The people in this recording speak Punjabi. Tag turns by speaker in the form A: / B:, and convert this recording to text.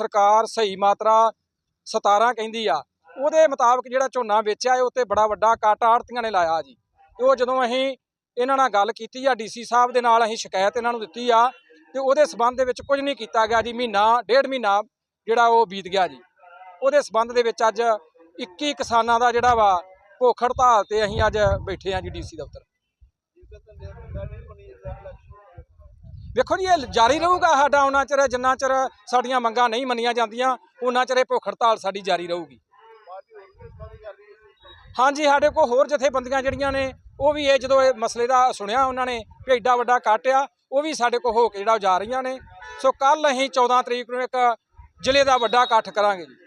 A: सरकार सही मात्रा 17 कहती आ ਉਹਦੇ ਮੁਤਾਬਕ ਜਿਹੜਾ ਝੋਨਾ ਵੇਚਿਆ ਹੈ ਉੱਤੇ ਬੜਾ ਵੱਡਾ ਕੱਟ ਆੜ੍ਹਤੀਆਂ ਨੇ ਲਾਇਆ ਜੀ। ਤੇ ਉਹ ਜਦੋਂ ਅਸੀਂ ਇਹਨਾਂ ਨਾਲ ਗੱਲ ਕੀਤੀ ਆ ਡੀਸੀ ਸਾਹਿਬ ਦੇ ਨਾਲ, ਅਸੀਂ ਸ਼ਿਕਾਇਤ ਇਹਨਾਂ ਨੂੰ ਦਿੱਤੀ ਆ ਤੇ ਉਹਦੇ ਸਬੰਧ ਦੇ ਵਿੱਚ ਕੁਝ ਨਹੀਂ ਕੀਤਾ ਗਿਆ ਜੀ। ਮਹੀਨਾ ਡੇਢ ਮਹੀਨਾ ਜਿਹੜਾ ਉਹ ਬੀਤ ਗਿਆ ਜੀ। ਉਹਦੇ ਸਬੰਧ ਦੇ ਵਿੱਚ ਅੱਜ 21 ਕਿਸਾਨਾਂ ਦਾ ਜਿਹੜਾ ਵਾ ਭੁੱਖ ਹੜਤਾਲ ਤੇ ਅਸੀਂ ਅੱਜ ਬੈਠੇ ਆ ਜੀ ਡੀਸੀ ਦਫ਼ਤਰ। ਵੇਖੋ ਜੀ ਇਹ ਜਾਰੀ ਰਹੂਗਾ ਸਾਡਾ ਉਹਨਾਂ ਚਿਰ ਜਿੰਨਾ ਚਿਰ ਸਾਡੀਆਂ ਮੰਗਾਂ ਨਹੀਂ ਮੰਨੀਆਂ ਜਾਂਦੀਆਂ ਉਹਨਾਂ ਚਿਰ ਇਹ ਭੁੱਖ ਹੜਤਾਲ ਸਾਡੀ ਜਾਰੀ ਰਹੂਗੀ। ਹਾਂਜੀ ਸਾਡੇ ਕੋਲ ਹੋਰ ਜਥੇਬੰਦੀਆਂ ਜਿਹੜੀਆਂ ਨੇ ਉਹ ਵੀ ਇਹ ਜਦੋਂ ਇਹ ਮਸਲੇ ਦਾ ਸੁਣਿਆ ਉਹਨਾਂ ਨੇ ਕਿ ਐਡਾ ਵੱਡਾ ਕੱਟ ਆ ਉਹ ਵੀ ਸਾਡੇ ਕੋਲ ਹੋ ਕੇ ਜਿਹੜਾ ਜਾ ਰਹੀਆਂ ਨੇ। ਸੋ ਕੱਲ ਅਸੀਂ 14 ਤਰੀਕ ਨੂੰ ਇੱਕ ਜ਼ਿਲ੍ਹੇ ਦਾ ਵੱਡਾ ਇਕੱਠ ਕਰਾਂਗੇ ਜੀ।